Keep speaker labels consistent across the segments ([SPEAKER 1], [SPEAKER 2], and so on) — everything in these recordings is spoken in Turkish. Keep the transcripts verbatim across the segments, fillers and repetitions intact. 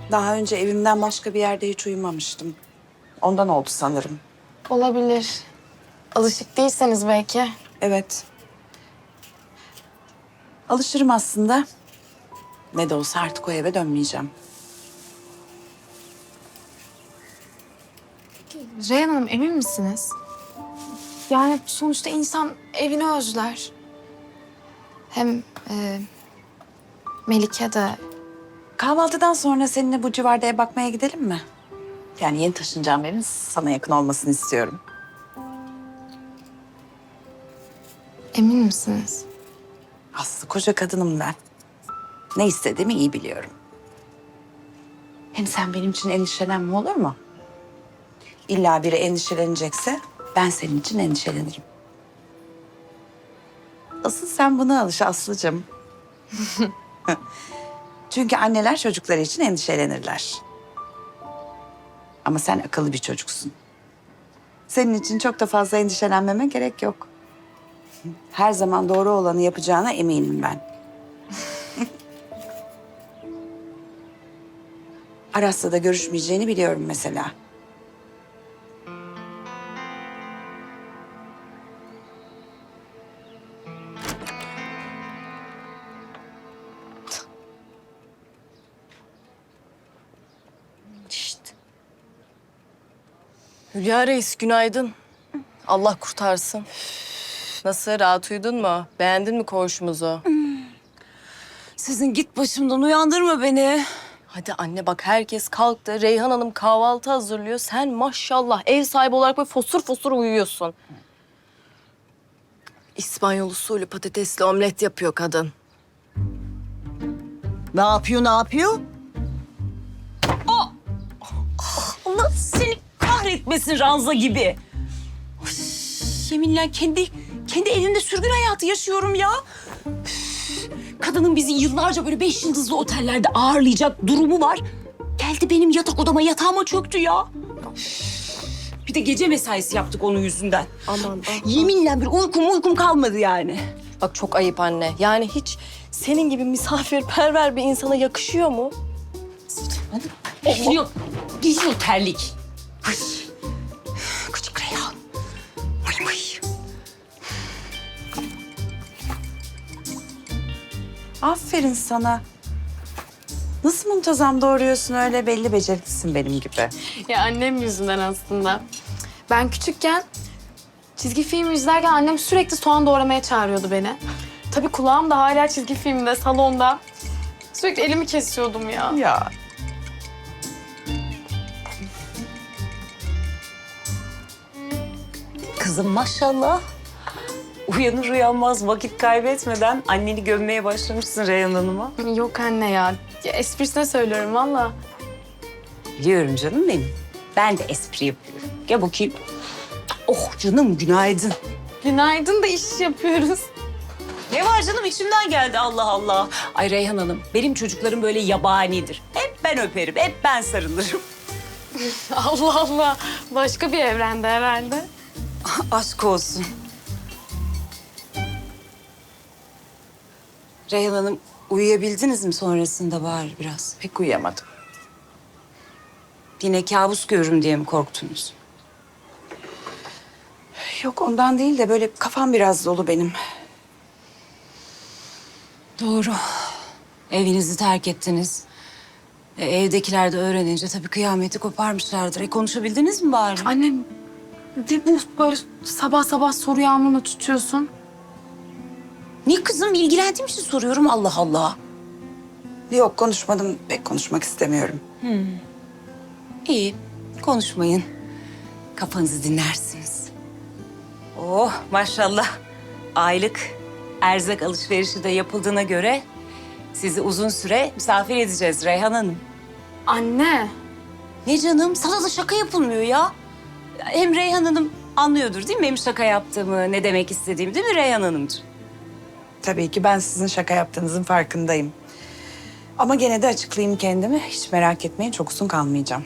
[SPEAKER 1] Daha önce evimden başka bir yerde hiç uyumamıştım. Ondan oldu sanırım.
[SPEAKER 2] Olabilir. Alışık değilseniz belki.
[SPEAKER 1] Evet. Alışırım aslında. Ne de olsa artık o eve dönmeyeceğim.
[SPEAKER 2] Reyhan Hanım emin misiniz? Yani sonuçta insan evini özler. Hem e, Melike de...
[SPEAKER 1] Kahvaltıdan sonra seninle bu civarda ev bakmaya gidelim mi? Yani yeni taşınacağım evin sana yakın olmasını istiyorum.
[SPEAKER 2] Emin misiniz?
[SPEAKER 1] Aslı koca kadınım ben. Ne istediğimi iyi biliyorum. Hem sen benim için endişelenme, olur mu? İlla biri endişelenecekse ben senin için endişelenirim. Asıl sen buna alış Aslı'cığım. Çünkü anneler çocukları için endişelenirler. Ama sen akıllı bir çocuksun. Senin için çok da fazla endişelenmeme gerek yok. Her zaman doğru olanı yapacağına eminim ben. Aras'la da görüşmeyeceğini biliyorum mesela.
[SPEAKER 3] Şişt. Hülya Reis günaydın. Allah kurtarsın. Nasıl, rahat uyudun mu? Beğendin mi koğuşumuzu?
[SPEAKER 4] Sizin git başımdan, uyandırma beni.
[SPEAKER 3] Hadi anne bak, herkes kalktı. Reyhan Hanım kahvaltı hazırlıyor. Sen maşallah ev sahibi olarak böyle fosur fosur uyuyorsun. İspanyol usulü patatesli omlet yapıyor kadın.
[SPEAKER 4] Ne yapıyor, ne yapıyor? Aa! Allah seni kahretmesin Ranza gibi. Ay, yeminle kendi kendi evimde sürgün hayatı yaşıyorum ya. Üf, kadının bizi yıllarca böyle beş yıldızlı otellerde ağırlayacak durumu var. Geldi benim yatak odama, yatağıma çöktü ya. Üf, bir de gece mesaisi yaptık onun yüzünden.
[SPEAKER 3] Aman, aman.
[SPEAKER 4] Yeminle bir uykum uykum kalmadı yani.
[SPEAKER 3] Bak çok ayıp anne. Yani hiç senin gibi misafirperver bir insana yakışıyor mu?
[SPEAKER 4] Geliyor, geliyor terlik. Ay, küçük Reyhan. Ay, ay.
[SPEAKER 1] Aferin sana. Nasıl muntazam doğuruyorsun öyle, belli beceriklisin benim gibi.
[SPEAKER 2] Ya annem yüzünden aslında. Ben küçükken çizgi film izlerken annem sürekli soğan doğramaya çağırıyordu beni. Tabii kulağım da hala çizgi filmde, salonda. Sürekli elimi kesiyordum ya.
[SPEAKER 1] Ya.
[SPEAKER 4] Kızım maşallah. Uyanır uyanmaz vakit kaybetmeden anneni gömmeye başlamışsın Reyhan Hanım'a.
[SPEAKER 2] Yok anne ya. Ya esprisine söylüyorum valla.
[SPEAKER 4] Biliyorum canım benim. Ben de espri yapıyorum. Gel bakayım. Oh canım günaydın.
[SPEAKER 2] Günaydın da iş yapıyoruz.
[SPEAKER 4] Ne var canım, içimden geldi Allah Allah. Ay Reyhan Hanım, benim çocuklarım böyle yabanidir. Hep ben öperim, hep ben sarılırım.
[SPEAKER 2] Allah Allah. Başka bir evrende herhalde.
[SPEAKER 4] Aşk olsun. Reyhan Hanım, uyuyabildiniz mi sonrasında bari biraz?
[SPEAKER 1] Pek uyuyamadım.
[SPEAKER 4] Yine kabus görürüm diye mi korktunuz?
[SPEAKER 1] Yok ondan değil de böyle kafam biraz dolu benim.
[SPEAKER 4] Doğru. Evinizi terk ettiniz. E, evdekiler de öğrenince tabii kıyameti koparmışlardır. E, konuşabildiniz mi bari?
[SPEAKER 2] Annem ne bu böyle sabah sabah soru yağmuruna tutuyorsun?
[SPEAKER 4] Ne kızım, ilgilendiğim için soruyorum, Allah Allah.
[SPEAKER 1] Yok konuşmadım, pek konuşmak istemiyorum.
[SPEAKER 4] İyi, konuşmayın. Kafanızı dinlersiniz. Oh maşallah. Aylık erzak alışverişi de yapıldığına göre sizi uzun süre misafir edeceğiz Reyhan Hanım.
[SPEAKER 2] Anne.
[SPEAKER 4] Ne canım, sana da şaka yapılmıyor ya. Hem Reyhan Hanım anlıyordur değil mi benim şaka yaptığımı, ne demek istediğimi, değil mi Reyhan Hanımcığım?
[SPEAKER 1] Tabii ki ben sizin şaka yaptığınızın farkındayım. Ama gene de açıklayayım kendimi. Hiç merak etmeyin, çok uzun kalmayacağım.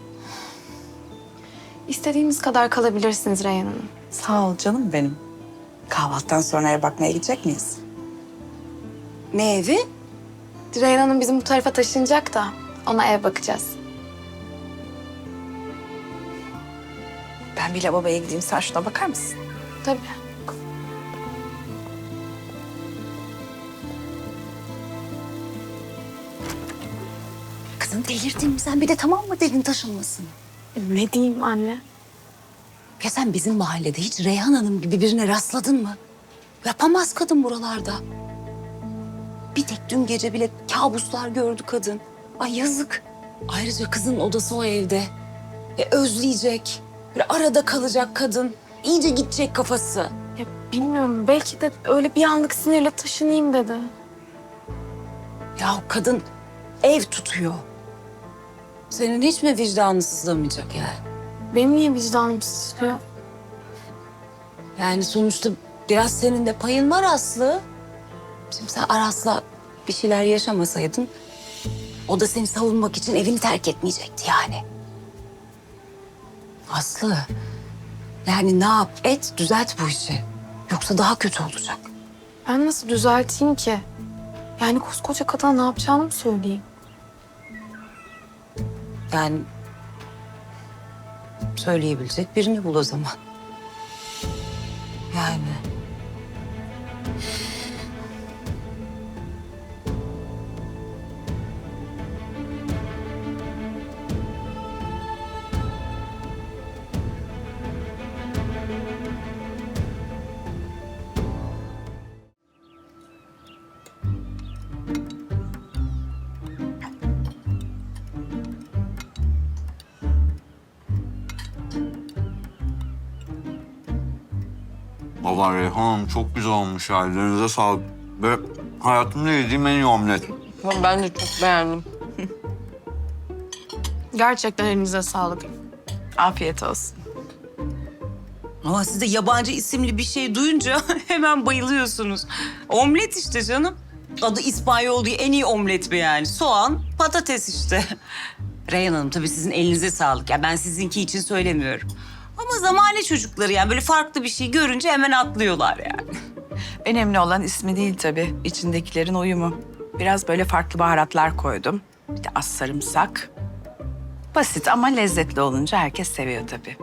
[SPEAKER 2] İstediğimiz kadar kalabilirsiniz Reyhan Hanım.
[SPEAKER 1] Sağ ol canım benim. Kahvaltıdan sonra eve bakmaya gidecek miyiz?
[SPEAKER 4] Ne evi?
[SPEAKER 2] Reyhan Hanım bizim bu tarafa taşınacak da. Ona ev bakacağız.
[SPEAKER 1] Ben bir lavaboya gideyim, sen şuna bakar mısın?
[SPEAKER 2] Tabii.
[SPEAKER 4] Kızım delirdin mi sen? Bir de tamam mı dedin taşınmasın?
[SPEAKER 2] Ne diyeyim anne?
[SPEAKER 4] Ya sen bizim mahallede hiç Reyhan Hanım gibi birine rastladın mı? Yapamaz kadın buralarda. Bir tek dün gece bile kabuslar gördü kadın. Ay yazık. Ayrıca kızın odası o evde. E, özleyecek. Böyle arada kalacak kadın. İyice gidecek kafası.
[SPEAKER 2] Ya bilmiyorum, belki de öyle bir anlık sinirle taşınayım dedi.
[SPEAKER 4] Ya kadın ev tutuyor. Senin hiç mi vicdanın sızlamayacak yani?
[SPEAKER 2] Benim niye vicdanım sızlıyor?
[SPEAKER 4] Yani sonuçta biraz senin de payın var Aslı. Şimdi sen Aras'la bir şeyler yaşamasaydın... ...o da seni savunmak için evini terk etmeyecekti yani. Aslı, yani ne yap et düzelt bu işi. Yoksa daha kötü olacak.
[SPEAKER 2] Ben nasıl düzelteyim ki? Yani koskoca kadına ne yapacağını mı söyleyeyim?
[SPEAKER 4] Yani söyleyebilecek birini bul o zaman. Yani.
[SPEAKER 5] Baba Reyhan Hanım çok güzel olmuş ya. Ellerinize sağlık. Ve hayatımda yediğim en iyi omlet.
[SPEAKER 3] Ben de çok beğendim.
[SPEAKER 2] Gerçekten elinize sağlık.
[SPEAKER 1] Afiyet olsun.
[SPEAKER 4] Ama siz de yabancı isimli bir şey duyunca hemen bayılıyorsunuz. Omlet işte canım. Adı İspanyol diye en iyi omlet mi yani? Soğan, patates işte. Reyhan Hanım tabii sizin elinize sağlık. Ya ben sizinki için söylemiyorum. Ama zamane çocukları yani böyle farklı bir şey görünce hemen atlıyorlar yani.
[SPEAKER 1] Önemli olan ismi değil tabii, içindekilerin uyumu. Biraz böyle farklı baharatlar koydum. Bir de az sarımsak. Basit ama lezzetli olunca herkes seviyor tabii.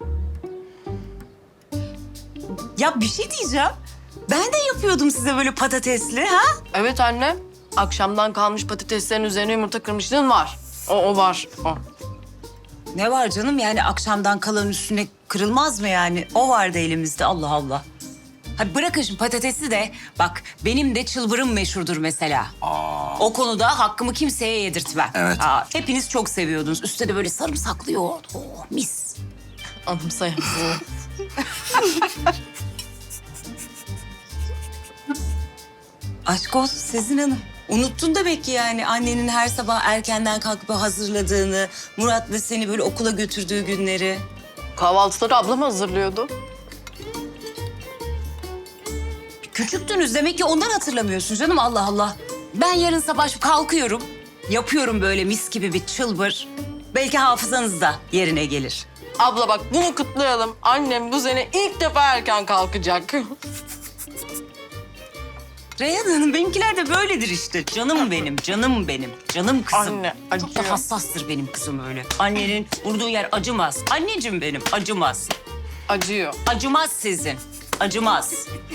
[SPEAKER 4] Ya bir şey diyeceğim. Ben de yapıyordum size böyle patatesli ha?
[SPEAKER 3] Evet anne. Akşamdan kalmış patateslerin üzerine yumurta kırmışlığın var. O, o var. O.
[SPEAKER 4] Ne var canım yani akşamdan kalan üstüne kırılmaz mı yani? O vardı elimizde Allah Allah. Hadi bırakın şimdi patatesi de bak benim de çılbırım meşhurdur mesela.
[SPEAKER 5] Aa.
[SPEAKER 4] O konuda hakkımı kimseye yedirtmem.
[SPEAKER 5] Evet.
[SPEAKER 4] Aa, hepiniz çok seviyordunuz. Üstte de böyle sarımsaklı yoğurt. Oh mis.
[SPEAKER 3] Anımsayamam.
[SPEAKER 4] Aşk olsun Sezin Hanım. Unuttun demek ki yani annenin her sabah erkenden kalkıp hazırladığını, Murat'la seni böyle okula götürdüğü günleri.
[SPEAKER 3] Kahvaltıları ablam hazırlıyordu.
[SPEAKER 4] Küçüktünüz demek ki ondan hatırlamıyorsun canım Allah Allah. Ben yarın sabah kalkıyorum, yapıyorum böyle mis gibi bir çılbır. Belki hafızanız da yerine gelir.
[SPEAKER 3] Abla bak bunu kutlayalım. Annem bu sene ilk defa erken kalkacak.
[SPEAKER 4] Reyhan Hanım benimkiler de böyledir işte. Canım benim, canım benim, canım kızım.
[SPEAKER 3] Anne,
[SPEAKER 4] Çok da
[SPEAKER 3] acıyor.
[SPEAKER 4] hassastır benim kızım öyle. Annenin vurduğu yer acımaz. Anneciğim benim, acımaz.
[SPEAKER 3] Acıyor.
[SPEAKER 4] Acımaz sizin, acımaz.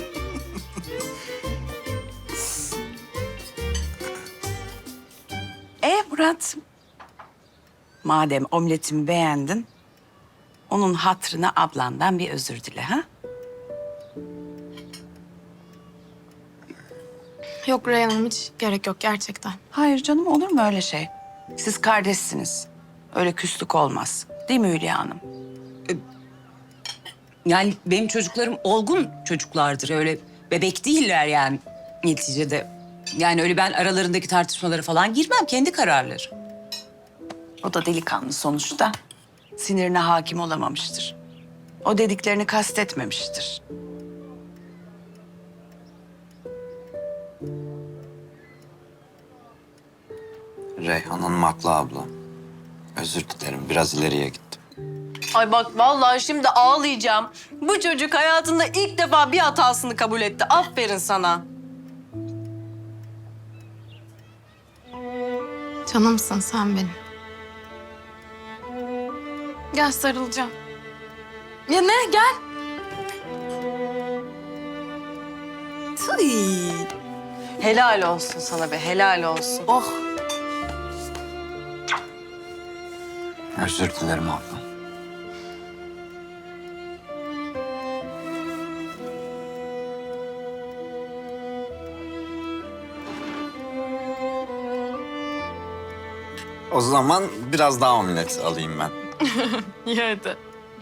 [SPEAKER 1] E Murat, madem omletimi beğendin, onun hatırına ablandan bir özür dile ha?
[SPEAKER 2] Yok Reyhan Hanım, hiç gerek yok gerçekten.
[SPEAKER 1] Hayır canım, olur mu öyle şey? Siz kardeşsiniz. Öyle küslük olmaz. Değil mi Hülya Hanım?
[SPEAKER 4] Yani benim çocuklarım olgun çocuklardır. Öyle bebek değiller yani neticede. Yani öyle ben aralarındaki tartışmalara falan girmem. Kendi kararları.
[SPEAKER 1] O da delikanlı sonuçta. Sinirine hakim olamamıştır. O dediklerini kastetmemiştir.
[SPEAKER 5] Reyhan Hanım haklı abla. Özür dilerim, biraz ileriye gittim.
[SPEAKER 3] Ay bak vallahi şimdi ağlayacağım. Bu çocuk hayatında ilk defa bir hatasını kabul etti. Aferin sana.
[SPEAKER 2] Canımsın sen benim. Gel sarılacağım. Ya ne? Gel.
[SPEAKER 3] Tıy. Helal olsun sana be, helal olsun.
[SPEAKER 4] Oh.
[SPEAKER 5] Özür dilerim abla. O zaman biraz daha omlet alayım ben.
[SPEAKER 2] İyi hadi.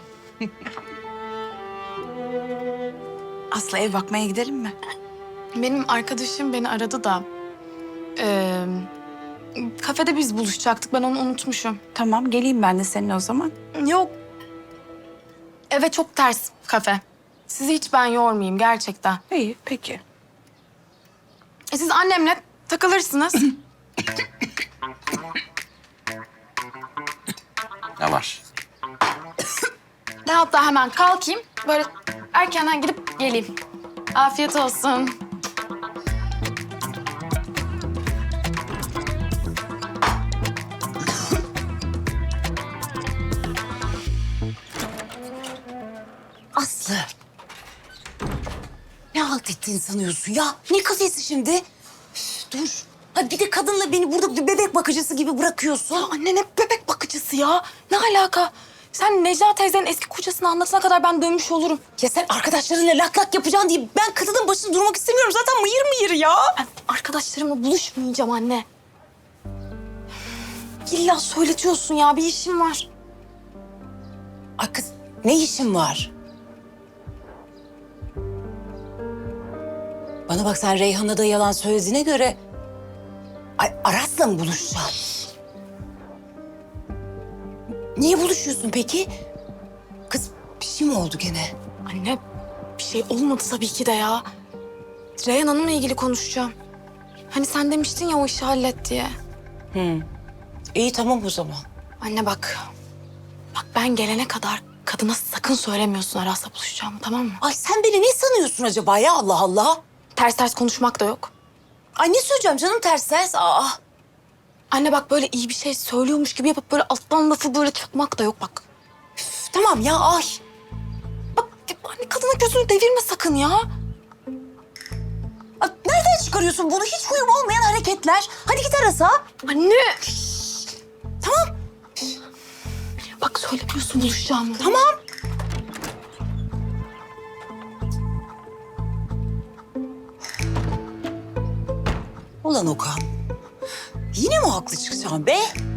[SPEAKER 1] Aslı ev bakmaya gidelim mi?
[SPEAKER 2] Benim arkadaşım beni aradı da... eee, kafede biz buluşacaktık. Ben onu unutmuşum.
[SPEAKER 1] Tamam geleyim ben de seninle o zaman.
[SPEAKER 2] Yok. Eve çok ters kafe. Sizi hiç ben yormayayım gerçekten.
[SPEAKER 1] İyi peki.
[SPEAKER 2] E siz annemle takılırsınız.
[SPEAKER 5] Ne var?
[SPEAKER 2] Ben hatta hemen kalkayım. Böyle erkenden gidip geleyim. Afiyet olsun.
[SPEAKER 4] Aslı. Ne halt ettiğini sanıyorsun ya? Ne kafesi şimdi? Üf, dur. Ha bir de kadınla beni burada bir bebek bakıcısı gibi bırakıyorsun.
[SPEAKER 2] Ya anne ne bebek bakıcısı ya? Ne alaka? Sen Necla teyzenin eski kocasını anlatana kadar ben dönmüş olurum.
[SPEAKER 4] Ya sen arkadaşlarınla lak lak yapacaksın diye ben kadının başında durmak istemiyorum. Zaten mıyır mıyır ya.
[SPEAKER 2] Ben arkadaşlarımla buluşmayacağım anne. İlla söyletiyorsun ya, bir işim var.
[SPEAKER 4] Ay kız ne işin var? Bana bak sen Reyhan'a da yalan söylediğine göre... Ay Aras'la mı buluşacaksın? Niye buluşuyorsun peki? Kız bir şey mi oldu gene?
[SPEAKER 2] Anne bir şey olmadı tabii ki de ya. Reyhan Hanım'la ilgili konuşacağım. Hani sen demiştin ya o işi hallet diye.
[SPEAKER 4] Hı. İyi tamam o zaman.
[SPEAKER 2] Anne bak. Bak ben gelene kadar kadına sakın söylemiyorsun Aras'la buluşacağımı, tamam mı?
[SPEAKER 4] Ay sen beni ne sanıyorsun acaba ya Allah Allah?
[SPEAKER 2] Ters ters konuşmak da yok.
[SPEAKER 4] Ay ne söyleyeceğim canım ters ters. Aa.
[SPEAKER 2] Anne bak böyle iyi bir şey söylüyormuş gibi yapıp böyle alttan lafı böyle çakmak da yok bak.
[SPEAKER 4] Üf, tamam ya ay.
[SPEAKER 2] Bak anne kadının gözünü devirme sakın ya.
[SPEAKER 4] Ay, nereden çıkarıyorsun bunu? Hiç huyum olmayan hareketler. Hadi git Aras'a.
[SPEAKER 2] Anne.
[SPEAKER 4] Tamam.
[SPEAKER 2] Bak söylemiyorsun buluşacağımı.
[SPEAKER 4] Tamam. Ulan Okan. Yine mi haklı çıkacaksın be?